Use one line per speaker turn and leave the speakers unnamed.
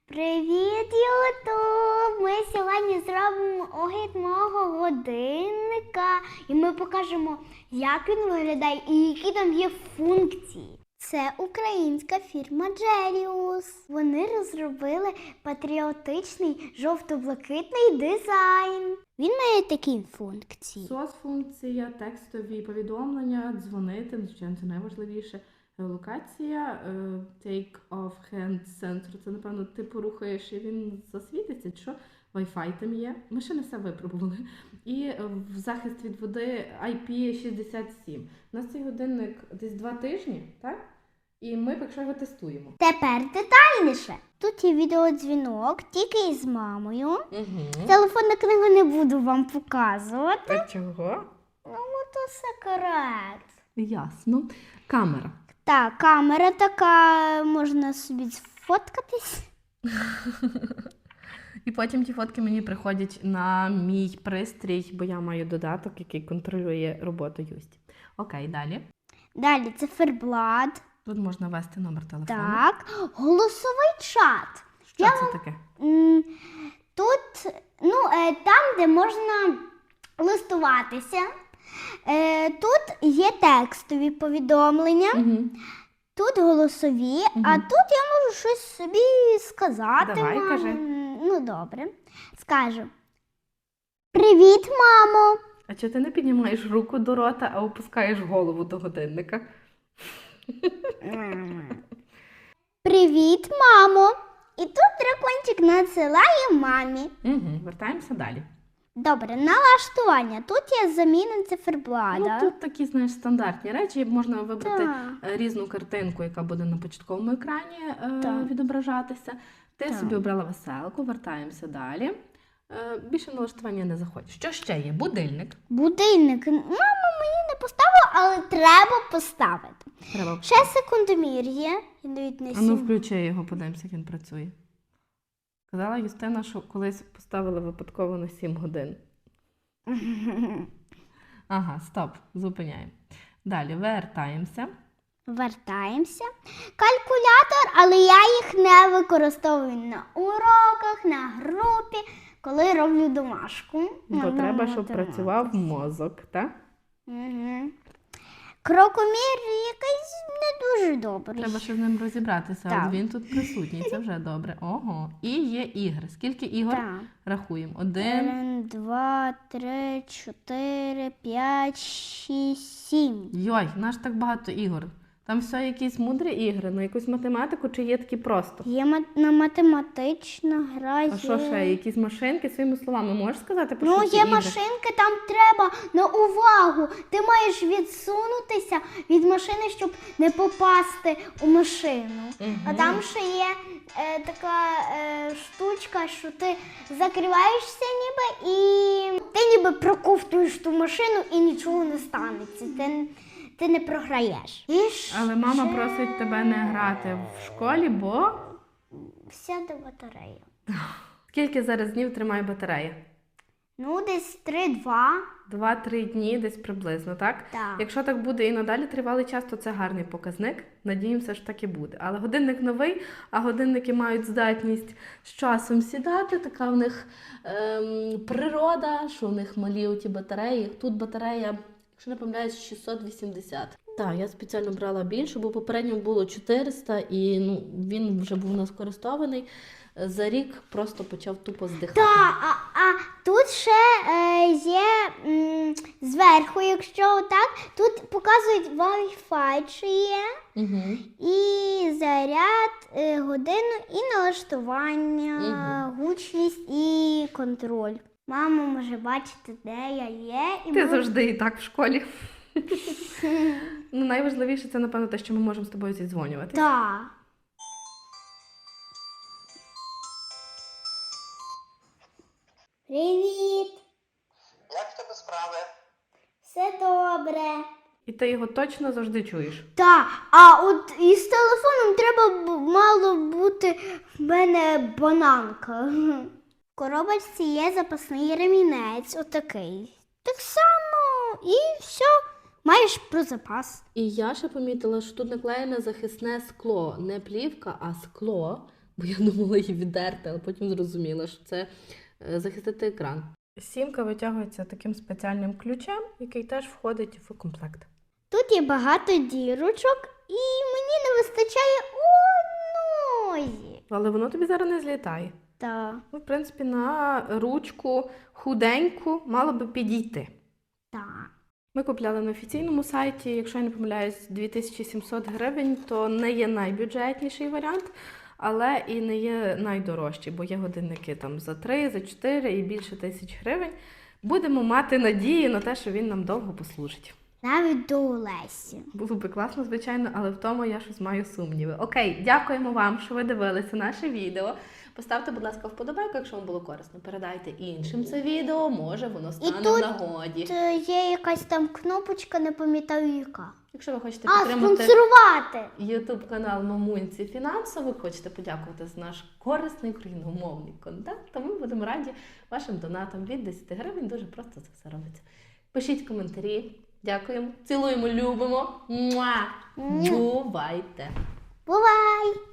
Привіт, Ютуб! Ми сьогодні зробимо огляд мого годинника і ми покажемо, як він виглядає і які там є функції. Це українська фірма Джеліус. Вони розробили патріотичний жовто-блакитний дизайн. Він має такі функції.
Соцфункція, текстові повідомлення, дзвонити, звичайно, це найважливіше. Локація, take off hand sensor, це, напевно, ти порухаєш і він засвітиться, чи що? Wi-Fi там є. Ми ще не все випробували. І в захист від води IP67. У нас цей годинник десь 2 тижні, так? І ми поки що його тестуємо.
Тепер детальніше. Тут є відеодзвінок, тільки із мамою.
Угу.
Телефонну книгу не буду вам показувати.
А чого?
Ну, то секрет.
Ясно. Камера.
Так, камера така, можна собі сфоткатись.
І потім ті фотки мені приходять на мій пристрій, бо я маю додаток, який контролює роботу Юсті. Окей, далі.
Далі циферблат.
Тут можна ввести номер телефону.
Так, голосовий чат.
Що це таке?
Тут, там, де можна листуватися, тут є текстові повідомлення.
Угу.
Тут голосові, а тут я можу щось собі сказати.
Давай,
мамі.
кажи.
Ну, добре. Скажу. Привіт, мамо.
А чого ти не піднімаєш руку до рота, а опускаєш голову до годинника?
Привіт, мамо. І тут дракончик надсилає мамі.
Угу. Вертаємося далі.
Добре, налаштування. Тут є заміна циферблата.
Ну, тут такі, знаєш, стандартні речі. Можна вибрати
Так.
різну картинку, яка буде на початковому екрані
Так.
відображатися. Ти
Так.
собі обрала веселку, вертаємося далі. Більше налаштування не заходить. Що ще є? Будильник.
Будильник. Мама мені не поставила, але треба поставити.
Треба.
Ще секундомір є. Йдуть на
А ну
7.
включи його, подивимося, як він працює. Казала Юстина, що колись поставила випадково на 7 годин. Ага, стоп, зупиняємо. Далі, вертаємося.
Вертаємося. Калькулятор, але я їх не використовую на уроках, на групі, коли роблю домашку.
Бо треба, щоб працював мозок, так?
Угу. Крокомір якийсь не дуже добрий.
Треба ще з ним розібратися,
Так.
от він тут присутній, це вже добре. Ого. І є ігри. Скільки ігор?
Так.
Рахуємо. 1,
1, 2, 3, 4, 5, 6, 7.
Йой, наш так багато ігор. Там все якісь мудрі ігри, на якусь математику чи є такі просто?
Є на математична гра.
А що ще? Якісь машинки? Своїми словами можеш сказати, про
Ну,
що ці
є
ігри?
машинки, там треба на увагу. Ти маєш відсунутися від машини, щоб не попасти у машину. А там ще є така штучка, що ти закриваєшся ніби і ти ніби проковтуєш ту машину і нічого не станеться. Ти не програєш.
Але мама просить тебе не грати в школі, бо...
Сяде батарея.
Скільки зараз днів тримає батарея?
Ну, десь 3-2.
2-3 дні десь приблизно, так?
Так.
Якщо так буде і надалі тривалий час, то це гарний показник. Надіємося, що так і буде. Але годинник новий, а годинники мають здатність з часом сідати. Така в них природа, що в них малі оті батареї. Тут батарея, якщо не помиляюсь, 680. Так, я спеціально брала більше, бо попередньо було 400 і він вже був наскористований. За рік просто почав тупо здихати.
Так, а тут ще є зверху, якщо так, тут показують Wi-Fi, чи є,
Угу.
і заряд, годину, і налаштування, гучність і контроль. Мама може бачити, де я є. І
Ти завжди і так в школі. Найважливіше це, напевно, те, що ми можемо з тобою зідзвонюватися.
Так. Привіт!
Як в тебе справи?
Все добре.
І ти його точно завжди чуєш.
Так, а от із телефоном мало бути в мене бананка. В коробочці є запасний ремінець, отакий. Так само і все. Маєш про запас.
І я ще помітила, що тут наклеєне захисне скло. Не плівка, а скло. бо я думала її віддерти, але потім зрозуміла, що це захистити екран. Сімка витягується таким спеціальним ключем, який теж входить в комплект.
Тут є багато дірочок, і мені не вистачає одної.
Але воно тобі зараз не злітає.
Так,
Ну, в принципі, на ручку худеньку мало би підійти.
так.
Ми купляли на офіційному сайті, якщо я не помиляюсь, 2700 гривень, то не є найбюджетніший варіант, але і не є найдорожчий, бо є годинники там за 3, за 4 і більше 1000 гривень. Будемо мати надію на те, що він нам довго послужить.
Навіть до Олесі.
Було би класно, звичайно, але в тому я щось маю сумніви. Окей, дякуємо вам, що ви дивилися наше відео. Поставте, будь ласка, вподобайку, якщо вам було корисно. Передайте іншим це відео, може воно стане
тут
в нагоді.
Є якась там кнопочка, не пам'ятаю яка.
Якщо ви хочете
А,
підтримати
спонсорувати!
YouTube-канал Мамунці фінансово, хочете подякувати за наш корисний україномовний контент, то ми будемо раді вашим донатам від 10 гривень. Дуже просто це все робиться. Пишіть коментарі. Дякуємо. Цілуємо, любимо. Муа! Бувайте!
Бувай!